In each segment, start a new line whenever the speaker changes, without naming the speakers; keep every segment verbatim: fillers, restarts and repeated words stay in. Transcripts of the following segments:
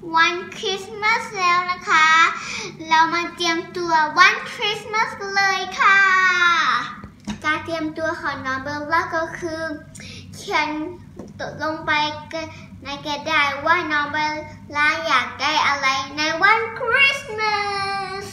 วันคริสต์มาสแล้วนะคะเรามาเตรียมตัววันคริสต์มาสเลยค่ะการเตรียมตัวของน้องเบลล่าก็คือเขียนลงไปในกระดาษว่าน้องเบลล่าอยากได้อะไรในวันคริสต์มาส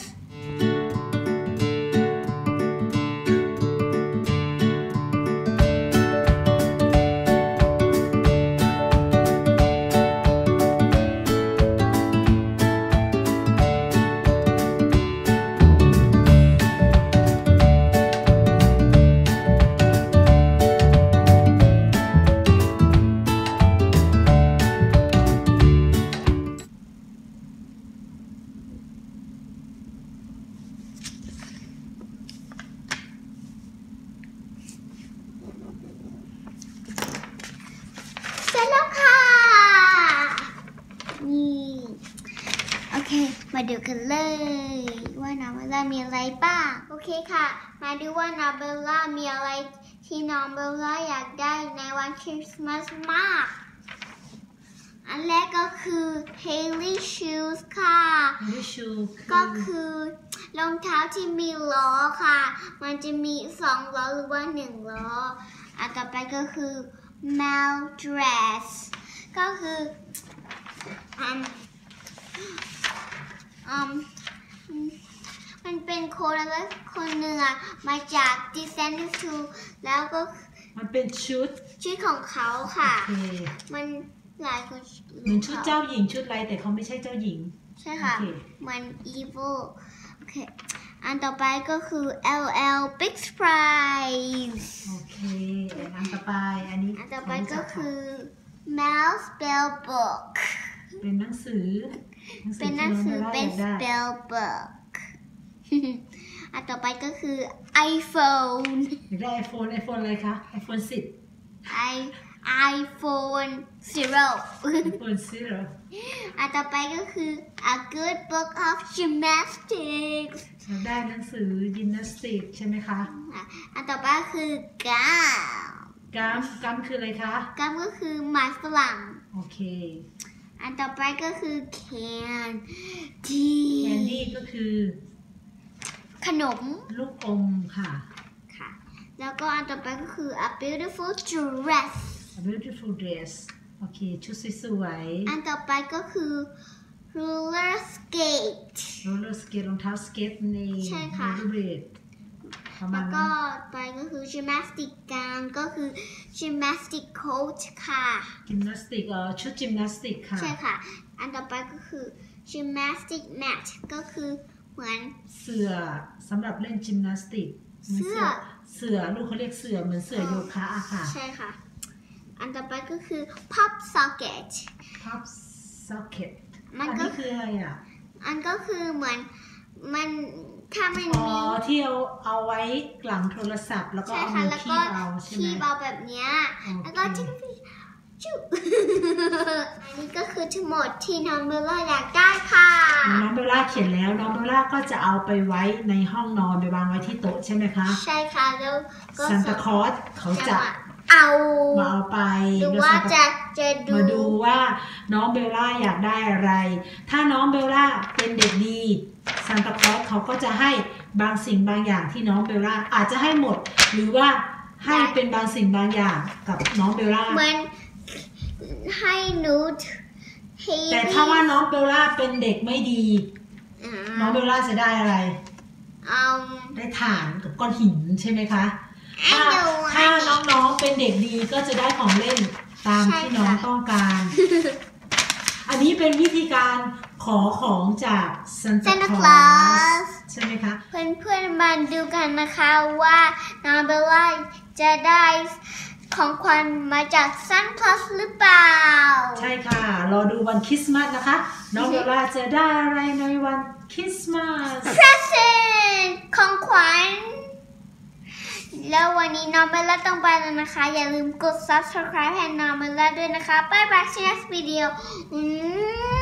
เสร็จแล้วค่ะนี่โอเคมาดูกันเลยว่าน้องเบลล่ามีอะไรบ้างโอเคค่ะมาดูว่าน้องเบลล่ามีอะไรที่น้องเบลล่าอยากได้ในวันคริสต์มาสมากอันแรกก็คือ Haley shoes ค่ะ
Haley shoes
ก็คือรองเท้าที่มีล้อค่ะมันจะมีสองล้อหรือว่าหนึ่งล้ออันต่อไปก็คือ Mel dress ก็คืออืมอืมมันเป็นคนแล้วคนหนึ่งอะมาจาก Descendants two แล้วก็
มันเป็นชุด
ชุดของเขาค่ะมันหลายคน
เหมือนชุดเจ้าหญิงชุดอะไรแต่เขาไม่ใช่เจ้าหญิง
ใช่ค่ะมัน evil โอเคอันต่อไปก็คือ แอล แอล Big Surprise
โอเคอันต่อไปอันนี้
อันต่อไปก็คือ Mel Spell Book
เป็นหนังสือ
เป็นหนังสือเป็น Spell Book อันต่อไปก็คือ iPhone
ได้ iPhone iPhone อะไรคะ iPhone สิบ
i iPhone zero
iPhone zero
อันต่อไปก็คือ A Good Book of Gymnastics
ได้หนังสือยิมนาสติกใช่ไหมคะ
อันต่อไปคือ Gum
Gum Gum คืออะไรคะ
Gum ก็คือไม้ฝรั่ง
โอเค
อันต่อไปก็คือ Candy
Candy ก็คือ
ขนม
ลูกอมค่ะ
ค่ะแล้วก็อันต่อไปก็คือ A Beautiful Dress
A beautiful dress โอเคชุดสวย
ๆอันต่อไปก็คือ roller skate
roller skate รองเท้าสเก็ตใน
ใช่ค่ะแล้วก็ไปก็คือ gymnastic gown ก็คือ gymnastic coat ค่ะ
gymnastic เอ่อชุด gymnastic ค่ะ
ใช่ค่ะอันต่อไปก็คือ gymnastic mat ก็คือเหมือน
เสื่อสำหรับเล่น gymnastic
เสื่อ
เสื่อลูกเขาเรียกเสื่อเหมือนเสื่อโยคะอะค่ะ
ใช่ค่ะอันต่อไปก็คือ pop socket
pop socket
มัน
ก็คืออะไรอ่ะ
อันก็คือเหมือนมันถ้ามันมี
อ๋อที่เอาเอาไว้หลังโทรศัพท์แล้วก็เอามือคีบเอาใช่ไหม
คีบเอาแบบเนี้ยแล้วก็จิ๊กจุ๊บอันนี้ก็คือทั้งหมดที่น้องเบลล่าอยากได้ค่ะ
น้องเบลล่าเขียนแล้วน้องเบลล่าก็จะเอาไปไว้ในห้องนอนไปวางไว้ที่โต๊ะใช่ไหมคะ
ใช่ค่ะแล้วก็
ซานตาคลอสเขาจะ
เอา
มาเอาไป
ดูว่าจะจะดู
มาดูว่าน้องเบลล่าอยากได้อะไรถ้าน้องเบลล่าเป็นเด็กดีซานตาคลอสเขาก็จะให้บางสิ่งบางอย่างที่น้องเบลล่าอาจจะให้หมดหรือว่าให้เป็นบางสิ่งบางอย่างกับน้องเบลล่า
เหมือนให้นูด
แต่ถ้าว่าน้องเบลล่าเป็นเด็กไม่ดีน้องเบลล่าจะได้อะไรได้ถ่านกับก้อนหินใช่ไหมคะถ้าถ้าน้องๆเป็นเด็กดีก็จะได้ของเล่นตามที่น้องต้องการอันนี้เป็นวิธีการขอของจากซานตาคลอสใช่ไหมคะ
เพื่อนๆมาดูกันนะคะว่าน้องเบลล่าจะได้ของขวัญมาจากซานตาคลอสหรือเปล่า
ใช่ค่ะรอดูวันคริสต์มาสนะคะน้องเบลล่าจะได้อะไรในวันคริสต์มาส
present ของขวัญแล้ววันนี้น้องเบลล่าต้องไปแล้วนะคะอย่าลืมกด subscribe ให้น้องเบลล่าด้วยนะคะบ๊ายบาย see you next video